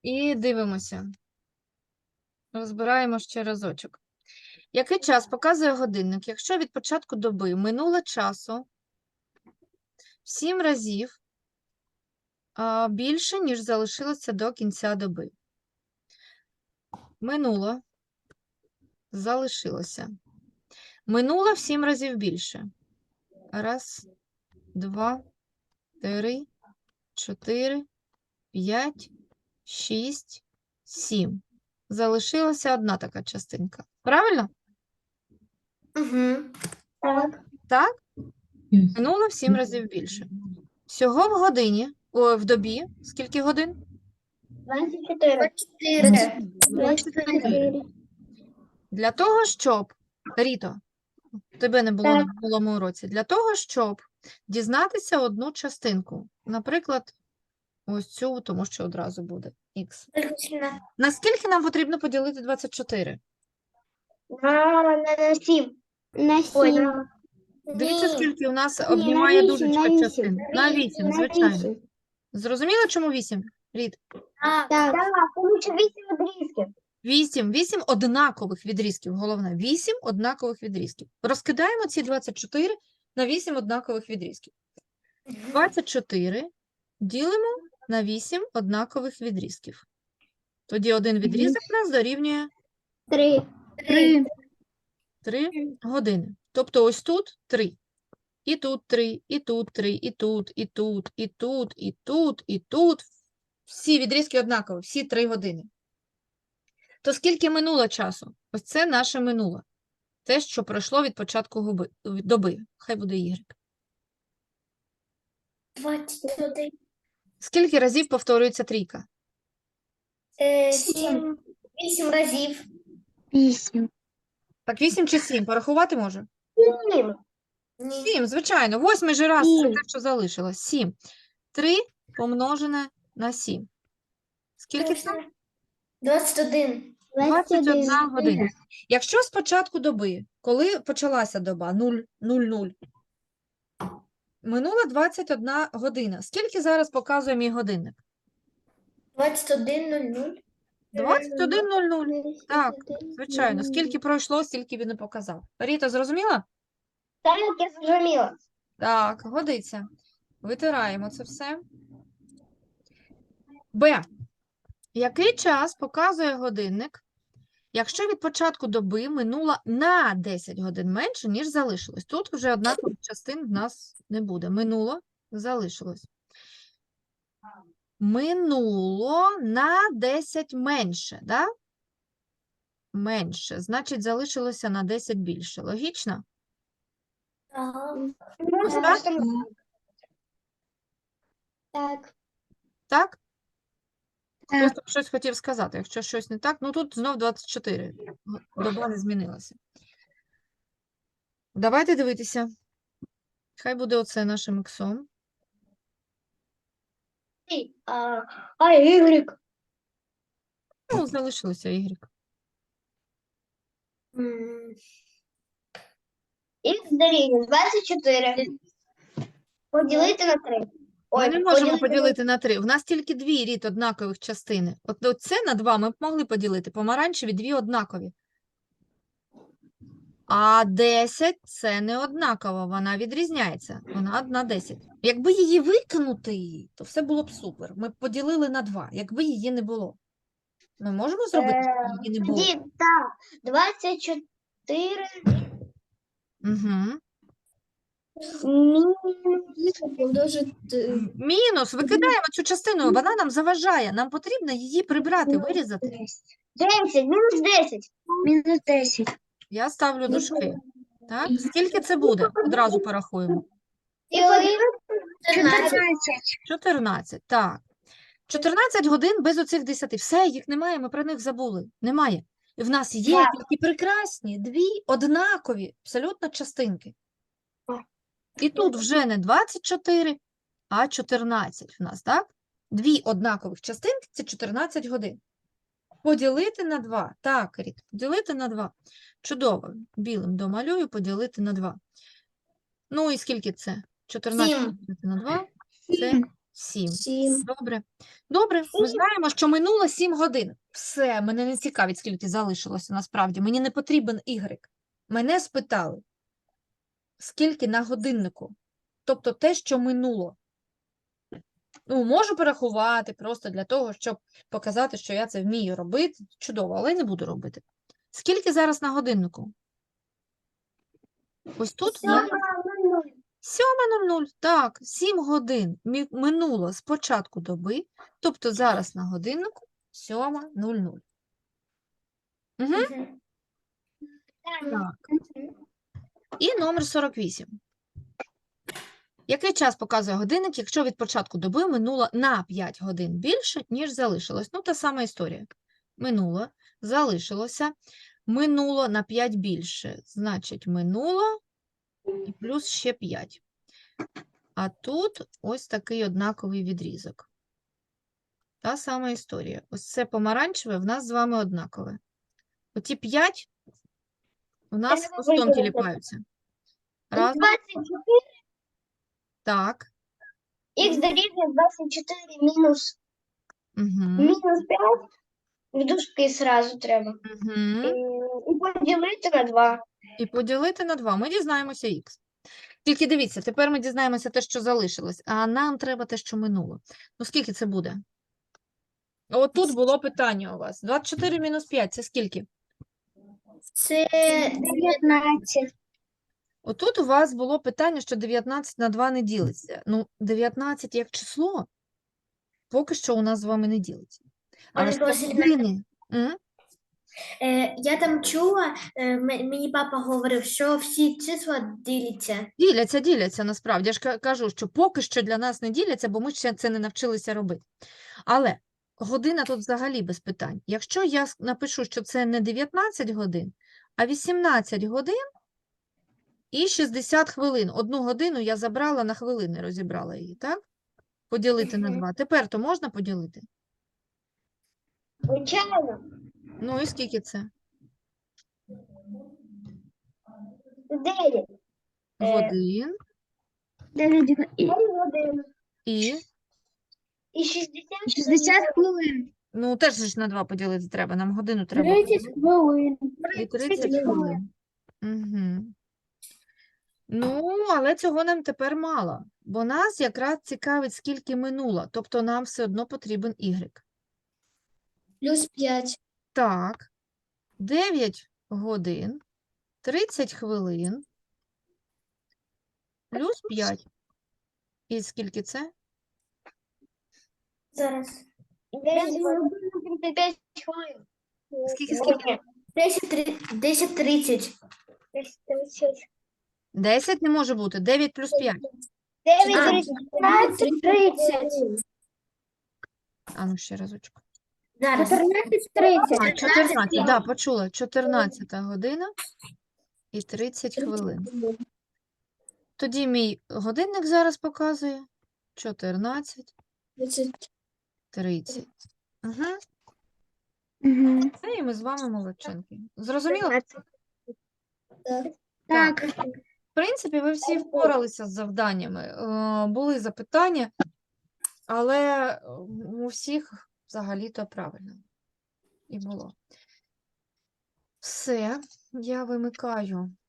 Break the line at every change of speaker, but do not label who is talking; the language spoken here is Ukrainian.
І дивимося. Розбираємо ще разочок. Який час показує годинник, якщо від початку доби минуло часу в 7 разів більше, ніж залишилося до кінця доби? Минуло, залишилося. Минуло в 7 разів більше. Раз, два, три, 4, 5, 6, 7. Залишилася одна така частинка. Правильно?
Угу. Так.
Так? Минуло в 7 разів більше. Всього в годині, в добі, скільки годин?
24.
24. Для того, щоб, Ріто, тебе не було
Так.
на минулому уроці, для того, щоб дізнатися одну частинку, наприклад, ось цю, тому що одразу буде х. Наскільки нам потрібно поділити 24?
На 7. На 7.
Дивіться, скільки у нас обнімає
на
дужечка
8.
частин. На 8, звичайно. Зрозуміло, чому 8, Рід?
Так, тому що 8 відрізків.
8 однакових відрізків, головне, 8 однакових відрізків. Розкидаємо ці 24 на 8 однакових відрізків. 24 ділимо на 8 однакових відрізків. Тоді один відрізок у нас дорівнює 3 години. Тобто ось тут 3. І тут 3, і тут 3, і тут, і тут, і тут, і тут, і тут. Всі відрізки однакові, всі 3 години. То скільки минуло часу? Ось це наше минуло. Те, що пройшло від початку доби. Хай буде Y.
21.
Скільки разів повторюється трійка?
7. 8 разів. 8.
Так, 8 чи 7? Порахувати може?
7.
7, звичайно. 8 же раз це
Сім.
те, що залишилось. 7. 3 помножене на 7. Скільки це?
21.
21 година. Якщо з початку доби, коли почалася доба 0:00, минула 21 година. Скільки зараз показує мій годинник?
21:00.
21:00. Так, звичайно. Скільки пройшло, стільки він і показав. Ріта, зрозуміла?
Так, я зрозуміла.
Так, годиться. Витираємо це все. Б. Який час показує годинник, якщо від початку доби минуло на 10 годин менше, ніж залишилось? Тут вже однакових частин в нас не буде. Минуло, залишилось. Минуло на 10 менше, да? Менше. Значить, залишилося на 10 більше. Логічно? Ось так?
Так.
Так? Хтось там щось хотів сказати. Якщо щось не так, ну тут знов 24. Доба не змінилася. Давайте дивитися. Хай буде оце нашим іксом.
Y.
Ну, залишилося Y.
Х дорівнює 24. Поділити на 3.
Ми не можемо поділити на 3. У нас тільки дві рід однакових частини. От оце на 2 ми б могли поділити. Помаранчеві дві однакові. А 10 – це не однаково, вона відрізняється. Вона одна 10. Якби її викинути, то все було б супер. Ми б поділили на 2, якби її не було. Ми можемо зробити, щоб її не було?
Так, 24
Угу. Мінус, викидаємо цю частину, вона нам заважає. Нам потрібно її прибрати, вирізати.
10, мінус 10. Мінус 10.
Я ставлю дужки. Так? Скільки це буде? Одразу порахуємо.
14.
14, так. 14 годин без оцих 10. Все, їх немає, ми про них забули. Немає. І в нас є
Так.
тільки прекрасні, дві однакові абсолютно частинки. І тут вже не 24, а 14 в нас, так? Дві однакових частинки – це 14 годин. Поділити на 2. Так, Ріт, поділити на 2. Чудово. Білим домалюю, поділити на 2. Ну і скільки це? 14
Сім.
поділити на 2 – це 7.
7.
Добре. Добре, ми знаємо, що минуло 7 годин. Все, мене не цікавить, скільки залишилося насправді. Мені не потрібен Y. Мене спитали, скільки на годиннику. Тобто те, що минуло. Ну, можу порахувати просто для того, щоб показати, що я це вмію робити. Чудово, але не буду робити. Скільки зараз на годиннику? Ось тут? 7:00. Так, 7 годин минуло з початку доби, тобто зараз на годиннику 7:00. Угу. Так. І номер 48. Який час показує годинник, якщо від початку доби минуло на 5 годин більше, ніж залишилось? Ну, та сама історія. Минуло, залишилося, минуло на 5 більше. Значить, минуло і плюс ще 5. А тут ось такий однаковий відрізок. Та сама історія. Ось це помаранчеве в нас з вами однакове. Оті 5 у нас хвостом тіліпаються. Разом.
24.
Так.
Х дорівнює 24 мінус
Угу.
5. В дужки сразу треба.
Угу.
І поділити на 2.
І поділити на 2. Ми дізнаємося х. Тільки дивіться, тепер ми дізнаємося те, що залишилось, а нам треба те, що минуло. Ну, скільки це буде? От тут було питання у вас. 24 мінус 5 – це скільки?
Це 19.
Отут у вас було питання, що 19 на 2 не ділиться. Ну, 19 як число поки що у нас з вами не ділиться. Але
Ольга
ж
Василівна,
години.
я там чула, мені папа говорив, що всі числа діляться.
Діляться насправді. Я ж кажу, що поки що для нас не діляться, бо ми ще це не навчилися робити. Але година тут взагалі без питань. Якщо я напишу, що це не 19 годин, а 18 годин і 60 хвилин. 1 годину я забрала на хвилини, розібрала її, так? Поділити на 2. Тепер то можна поділити?
Звичайно.
Ну і скільки це?
9.
Годин
9 годин.
і...
І 60 хвилин.
Ну, теж ж на 2 поділити треба. Нам годину треба.
30 хвилин.
І 30 хвилин. Угу. Ну, але цього нам тепер мало, бо нас якраз цікавить, скільки минуло, тобто нам все одно потрібен Y.
Плюс 5.
Так, 9 годин, 30 хвилин, плюс 5. І скільки це?
Зараз.
9 годин 35 хвилин.
Скільки?
10:30.
10 не може бути, 9 плюс 5.
9 30.
А ну ще разочку.
Зараз.
14:30.
А, 14, да, почула. 14 година і 30 хвилин. Тоді мій годинник зараз показує 14, 30. Угу. І ми з вами молодчинки. Зрозуміло?
Так.
В принципі, ви всі впоралися з завданнями. Були запитання, але у всіх взагалі-то правильно і було. Все, я вимикаю